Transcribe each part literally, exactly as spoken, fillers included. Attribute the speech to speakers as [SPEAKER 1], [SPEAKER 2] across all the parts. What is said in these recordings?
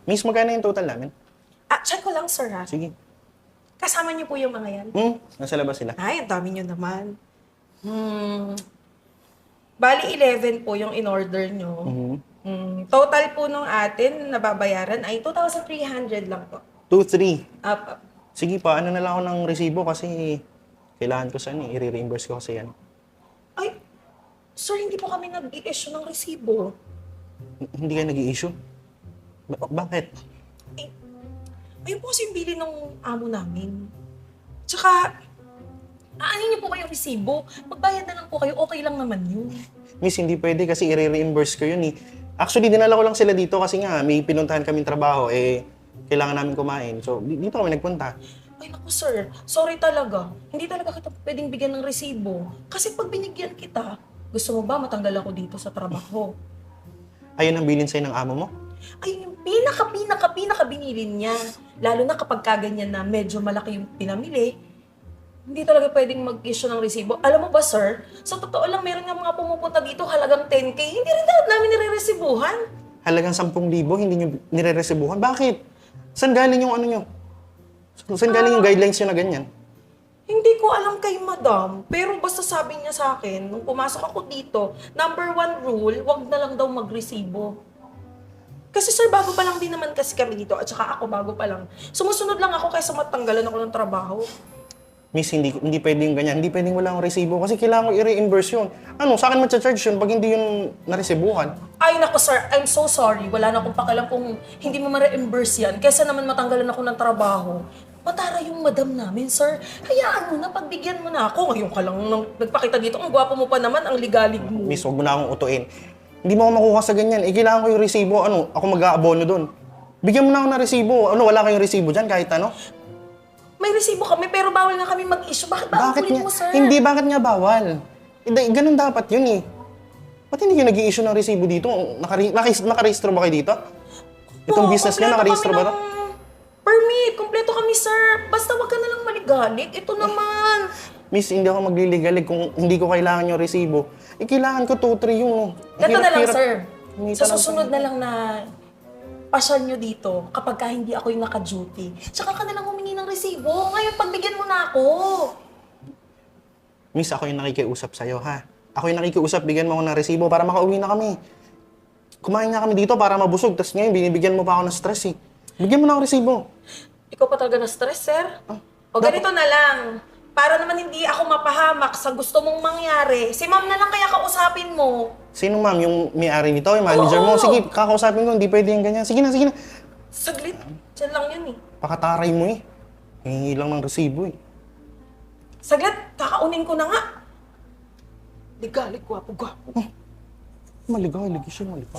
[SPEAKER 1] Miss, magkano yung total namin?
[SPEAKER 2] Ah, check ko lang, sir, ha?
[SPEAKER 1] Sige.
[SPEAKER 2] Kasama niyo po yung mga yan?
[SPEAKER 1] Hmm, nasa labas sila.
[SPEAKER 2] Ay, ang dami niyo naman. Hmm. Bali, eleven po yung in-order niyo.
[SPEAKER 1] Mhm.
[SPEAKER 2] Hmm. Total po nung atin, nababayaran ay two thousand three hundred lang po.
[SPEAKER 1] two, three.
[SPEAKER 2] Up, up.
[SPEAKER 1] Sige pa, ano na lang ako ng resibo kasi kailangan ko saan eh. I-reimburse ko kasi yan.
[SPEAKER 2] Ay, sir, hindi po kami nag-i-issue ng resibo.
[SPEAKER 1] H- Hindi ka nag-i-issue? Ba- bakit?
[SPEAKER 2] Eh, ayun po kasi yung bili ng amo namin. Tsaka, aanin niyo po ba yung resibo? Magbayad na lang po kayo, okay lang naman yun.
[SPEAKER 1] Miss, hindi pwede kasi i-reimburse ko yun eh. Actually, dinala ko lang sila dito kasi nga may pinuntahan kaming trabaho eh kailangan namin kumain. So, di- dito kami nagpunta.
[SPEAKER 2] Ay naku sir, sorry talaga. Hindi talaga kita pwedeng bigyan ng resibo. Kasi pag binigyan kita, gusto mo ba matanggal ako dito sa trabaho?
[SPEAKER 1] Ayun ang bilin sa'yo ng amo mo?
[SPEAKER 2] Ay, yung pinaka, pinaka, pinaka binili niya. Lalo na kapag kaganyan na medyo malaki yung pinamili, hindi talaga pwedeng mag-issue ng resibo. Alam mo ba, sir, sa totoo lang, meron nga mga pumupunta dito halagang ten K. Hindi rin dapat namin nire-resibuhan.
[SPEAKER 1] Halagang sampung libo, hindi nyo nire-resibuhan. Bakit? Saan galing yung ano nyo? Saan galing yung guidelines nyo na ganyan?
[SPEAKER 2] Hindi ko alam kay madam, pero basta sabi niya sa akin, nung pumasok ako dito, number one rule, wag na lang daw magresibo. Kasi sir, bago pa lang din naman kasi kami dito, at saka ako bago pa lang. Sumusunod lang ako kaysa matanggalan ako ng trabaho.
[SPEAKER 1] Miss, hindi, hindi pwedeng ganyan. Hindi pwedeng wala akong resibo kasi kailangan ko i-reimburse yun. Ano, sa akin matcha-charge yun pag hindi yun naresibuhan.
[SPEAKER 2] Ay nako sir, I'm so sorry. Wala na akong pakialam kung hindi mo ma-reimburse yan. Kesa naman matanggalan ako ng trabaho. Matara yung madam namin, sir. Hayaan mo na, pagbigyan mo na ako. Ngayon ka lang nang nagpakita dito. Ang gwapo mo pa naman, ang ligalig mo.
[SPEAKER 1] Miss, huwag mo na akong utuin. Hindi mo ako makuha sa ganyan. Eh, kailangan ko yung resibo. Ano, ako mag-aabono doon. Bigyan mo na ako ng resibo. Ano, wala kayong resibo dyan kahit ano?
[SPEAKER 2] May resibo kami, pero bawal nga kami mag-issue. Bakit ba ang
[SPEAKER 1] Bakit
[SPEAKER 2] kulit
[SPEAKER 1] nga?
[SPEAKER 2] mo, sir?
[SPEAKER 1] Hindi, bakit nga bawal? Hindi, ganun dapat yun eh. Ba't hindi kayo nag-i-issue ng resibo dito? Nakari nakis nakarehistro ba kayo dito? Itong
[SPEAKER 2] Oo,
[SPEAKER 1] business nyo,
[SPEAKER 2] kompleto
[SPEAKER 1] nakarehistro
[SPEAKER 2] kami
[SPEAKER 1] ba to?
[SPEAKER 2] ng Permit, kompleto kami, sir. Basta wag ka na lang maligalig. Ito naman.
[SPEAKER 1] Miss, hindi ako magliligalig kung hindi ko kailangan yung resibo. Eh, kailangan ko two, three yung...
[SPEAKER 2] Ganito na lang,
[SPEAKER 1] hirap-hirap.
[SPEAKER 2] sir.
[SPEAKER 1] Humingi
[SPEAKER 2] Sa
[SPEAKER 1] ka ng-
[SPEAKER 2] susunod na lang na pasyal nyo dito kapag ka hindi ako yung naka-duty. Tsaka ka na lang humingi ng resibo. Ngayon, pagbigyan mo na ako.
[SPEAKER 1] Miss, ako yung nakikiusap sa'yo, ha? Ako yung nakikiusap, bigyan mo ako ng resibo para makauwi na kami. Kumain nga kami dito para mabusog, tapos ngayon binibigyan mo pa ako ng stress, eh. Bigyan mo na ako resibo.
[SPEAKER 2] Ikaw pa talaga na-stress, sir? O ganito na lang. Para naman hindi ako mapahamak sa gusto mong mangyari, si ma'am na lang kaya kausapin mo.
[SPEAKER 1] Sino, ma'am? Yung may-ari nito, yung manager mo?
[SPEAKER 2] Oo.
[SPEAKER 1] Sige, kakausapin ko, hindi pwede yung ganyan. Sige na, sige na.
[SPEAKER 2] Saglit. Diyan lang yun eh.
[SPEAKER 1] Pakataray mo, eh. Hingi lang ng resibo, eh.
[SPEAKER 2] Saglit, kakaunin ko na nga. Ligalig, gwapo, gwapo.
[SPEAKER 1] Maligaw, lagi siya, maligaw.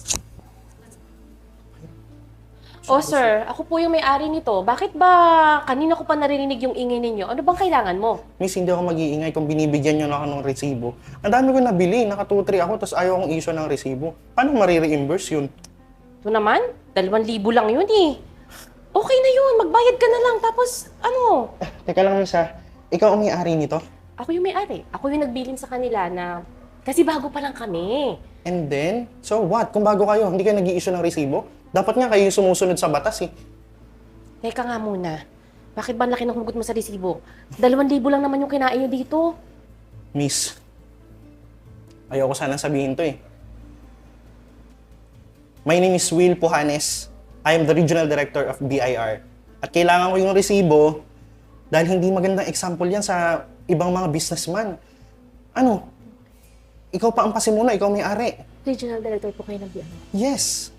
[SPEAKER 3] Oh sir, ako po yung may-ari nito. Bakit ba kanina ko pa naririnig yung ingay ninyo? Ano bang kailangan mo?
[SPEAKER 1] Miss, hindi ako mag-iingay kung binibigyan nyo na ako ng resibo. Ang dami ko nabili, naka two, three ako, tapos ayaw akong issue ng resibo. Paano marireimburse yun?
[SPEAKER 3] Ito naman, dalawang libo lang yun eh. Okay na yun, magbayad ka na lang. Tapos ano?
[SPEAKER 1] Ah, teka lang, Miss, ha? Ikaw ang may-ari nito?
[SPEAKER 3] Ako yung may-ari. Ako yung nagbilin sa kanila na kasi bago pa lang kami.
[SPEAKER 1] And then, so what? Kung bago kayo, hindi kayo nag-i-issue ng resibo? Dapat nga kayo yung sumusunod sa batas, eh.
[SPEAKER 3] Teka nga muna. Bakit ba ang laki ng hugot mo sa resibo? Dalawang libo lang naman yung kinain nyo dito.
[SPEAKER 1] Miss, ayoko sana sabihin to, eh. My name is Will Pujanes. I am the Regional Director of B I R. At kailangan ko yung resibo dahil hindi magandang example yan sa ibang mga businessman. Ano? Ikaw pa ang pasimula, ikaw may-ari.
[SPEAKER 3] Regional Director po kayo ng B I R.
[SPEAKER 1] Yes.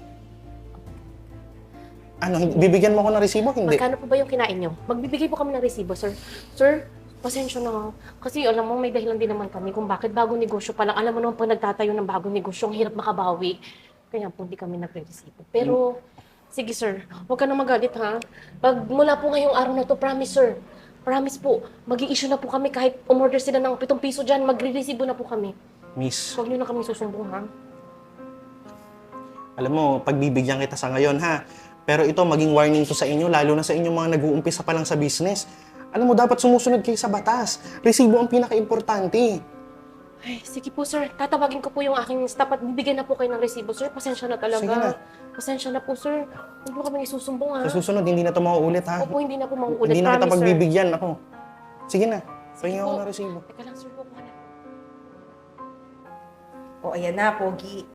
[SPEAKER 1] Ano, hin- bibigyan mo ako ng resibo? Hindi.
[SPEAKER 3] Magkano po ba yung kinain nyo? Magbibigay po kami ng resibo, sir. Sir, pasensya na. Kasi alam mo, may dahilan din naman kami kung bakit bagong negosyo pa lang. Alam mo naman, pag nagtatayo ng bagong negosyo, ang hirap makabawi. Kaya po hindi kami nagre-resibo. Pero, sige sir, huwag ka na magalit ha. Pag mula po ngayong araw na to, promise sir. Promise po, mag-i-issue na po kami kahit umorder sila ng pitong piso dyan, magre-resibo na po kami.
[SPEAKER 1] Miss,
[SPEAKER 3] Huwag nyo na kami susumbong ha.
[SPEAKER 1] alam mo, pagbibigyan kita sa ngayon, ha? Pero ito, maging warning to sa inyo, lalo na sa inyong mga nag-uumpisa pa lang sa business. Alam mo, dapat sumusunod kayo sa batas. Resibo ang pinaka-importante.
[SPEAKER 3] Ay, sige po, sir. Tatawagin ko po yung aking staff at bibigyan na po kayo ng resibo, sir. Pasensya na talaga.
[SPEAKER 1] Sige na.
[SPEAKER 3] Pasensya na po, sir. Huwag mo kami isusumbong, ha?
[SPEAKER 1] Sa susunod, hindi na ito mauulit, ha?
[SPEAKER 3] Opo, hindi na po mauulit.
[SPEAKER 1] Hindi na kita
[SPEAKER 3] Promise, sir.
[SPEAKER 1] pagbibigyan ako. Sige na. Pahinga ako
[SPEAKER 3] po.
[SPEAKER 1] ng resibo.
[SPEAKER 3] Teka lang, sir. Kukuha na.
[SPEAKER 2] O, ayan na, Pogi.